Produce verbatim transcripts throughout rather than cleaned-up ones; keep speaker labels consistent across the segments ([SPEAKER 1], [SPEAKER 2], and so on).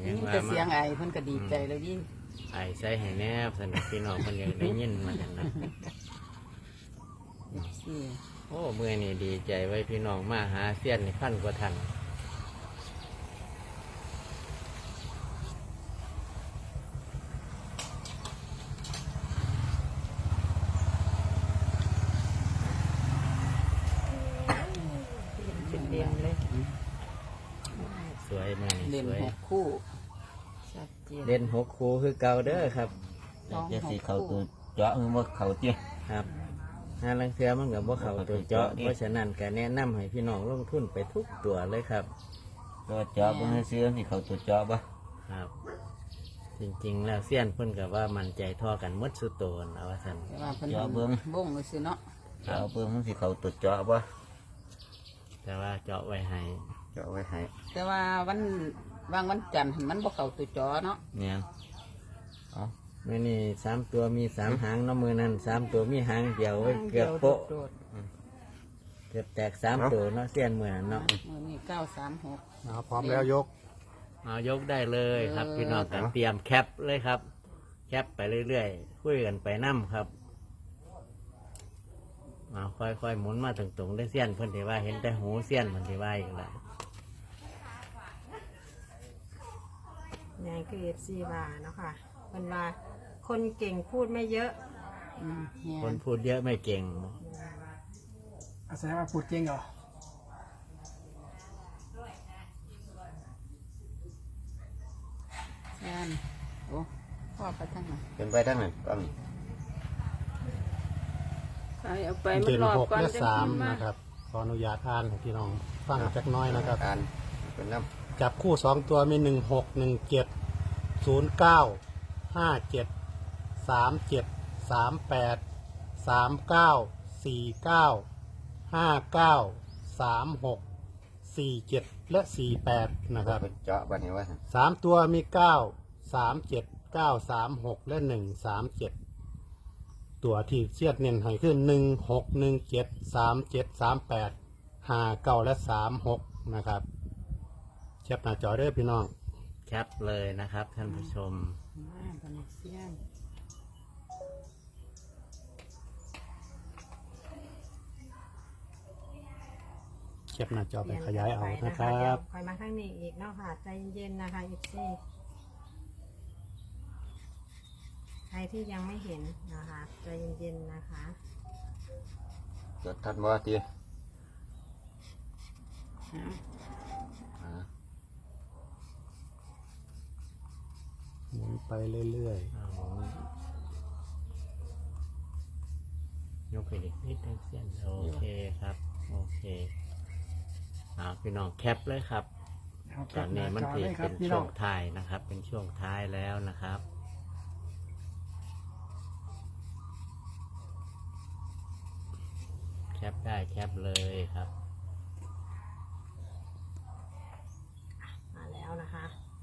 [SPEAKER 1] ยินแต่เสียงไอเพิ่นก็ดีใจแล้วดิ
[SPEAKER 2] ไอใส่ให้แนบสนุกพี่น้องเพิ่นอยากได้ยินมาจังนะโอ้เมื่อนี่ดีใจไว้พี่น้องมาหาเสี้ยนในพันกว่าทัน
[SPEAKER 1] เป็นเด่นเลย
[SPEAKER 2] สวยมาก
[SPEAKER 1] เด่น
[SPEAKER 2] สวย
[SPEAKER 1] หกคู่ชัดเจน
[SPEAKER 2] เด่นหกคู่คือเก่าเด้อครับ
[SPEAKER 3] จะสีเขาตัวเจาะมันว่าเขาเจี๊ย
[SPEAKER 2] ครับงานลังเทือมันกับว่าเขาตัวเจาะเพราะฉะนั้นการแนะนำให้พี่น้องลงทุนไปทุกตัวเลยครับ
[SPEAKER 3] ตัวเจาะมันซื้อที่เขาตัวเจาะปะ
[SPEAKER 2] ครับ จริงๆแล้วเสี้ยนเพิ่นกับว่ามันใจท่อกันมดสุดโตนเอาว่าซั่น
[SPEAKER 3] เจาะเบิ้ง
[SPEAKER 1] บ้งเลยสิเนาะ
[SPEAKER 3] เจาะเบิ้งมันสิเขาตัวเจาะปะ
[SPEAKER 2] แต่ว่าเจาะไว้ให้
[SPEAKER 3] เจาะไว้ให้
[SPEAKER 1] แต่ว่าวันวางวันจันทร์มันบ่เข้าตัวจอเนาะ
[SPEAKER 2] เนี่ยอ๋อมื่อนี้สามตัวมีสามหางน้ำมือนั่นสามตัวมีหางเดียวเกือบโป๊ะเกือบแตกสามตัวเนาะเสี้ยนเหมือนเนาะ
[SPEAKER 1] มือนี้เก้าสามหก
[SPEAKER 4] พร้อมแล้วยก
[SPEAKER 2] เอายกได้เลยครับพี่น้องกันเตรียมแคปเลยครับแคปไปเรื่อยๆคุยกันไปนั่มครับเอาค่อยๆหมุนมาตรงๆได้เสี้ยนเพิ่นที่ว่าเห็นแต่หูเสี้ยนเพิ่นที่ว่าอีกแล้ว
[SPEAKER 5] นี่คือเอฟซีว่าเนาะค่ะเป็นว่าคนเก่งพูดไม่เยอะ
[SPEAKER 2] คนพูดเยอะไม่เก่ง
[SPEAKER 4] อาศัยว่าพูดเก่งเหรอ
[SPEAKER 1] งานโอ้พ่อไปทั้งไหน
[SPEAKER 3] เป็นไปทั้งไหนก็มี
[SPEAKER 1] ไปเอาไปมันรอบก่อน
[SPEAKER 4] จะกินมากนะครับขออนุญาตอ่านให้พี่น้องฟังจักน้อยนะครับ
[SPEAKER 3] อ่านเป็นน้
[SPEAKER 4] ำจับคู่สองตัวมีหนึ่งหกหนึ่งเจ็ดศูนย์เก้าห้าเจ็ดสามเจ็ดสามแปดสามเก้าสี่เก้าห้าเก้าสามหกสี่เจ็ดและสี่แปดนะครับ
[SPEAKER 3] เจาะบันนี้ว่า
[SPEAKER 4] สามตัวมีเก้าสามเจ็ดเก้าสามหกและหนึ่งสามเจ็ดตัวที่เชียดเน้นให้ขึ้นหนึ่งหกหนึ่งเจ็ดสามเจ็ดสามแปดห้าเก้าและสามหกนะครับแคปหน้าจอเด้อพี่น้อง
[SPEAKER 2] แคปเลยนะครับท่านผู้ชม
[SPEAKER 4] แคปหน้าจอไปขยายเอานะครับ
[SPEAKER 5] คอยมาข้างนี้อีกเนาะค่ะใจเย็นๆนะคะอีกทีใครที่ยังไม่เห็นนะคะใจเย็นๆนะคะ
[SPEAKER 3] จดทันว่าที
[SPEAKER 4] หมุนไปเรื่อย
[SPEAKER 2] ๆยกไปอีกนิดนึงเส้นโอเคครับโอเคเอาพี่น้องแคปเลยครับตอนนี้มันเป็นช่วงท้ายนะครับเป็นช่วงท้ายแล้วนะครับแคปได้แคปเลยครับ
[SPEAKER 5] มาแล้วนะคะ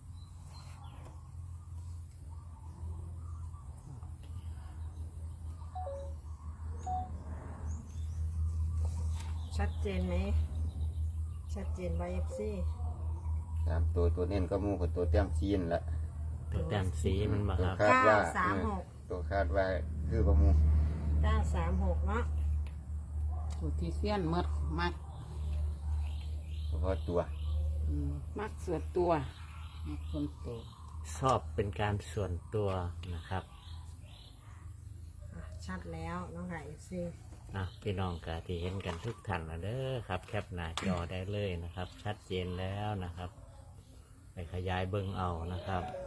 [SPEAKER 5] ชัดเจนไหมชัดเจนไวเอฟซี
[SPEAKER 3] สามตัวตัวเน้นก็มูกับตัวแต้มซีนละ
[SPEAKER 2] ตัวแต้มสีมันมาครับ
[SPEAKER 3] คาดว่าตัวคาดว่าคือประมู
[SPEAKER 5] เก้าสามหกเนาะ
[SPEAKER 1] สูตรที่เสี้ยนมดมัก
[SPEAKER 3] เฉพาะตัว
[SPEAKER 1] มักส่วนตัวมักส่วนตัว
[SPEAKER 2] ชอบเป็นการส่วนตัวนะครับ
[SPEAKER 5] ชัดแล้วน้องไก่เอฟซี
[SPEAKER 2] อ่ะพี่น้องกะที่เห็นกันทุกท่านนะเด้อครับแคปหน้าจอได้เลยนะครับชัดเจนแล้วนะครับไปขยายเบิ้งเอานะครับ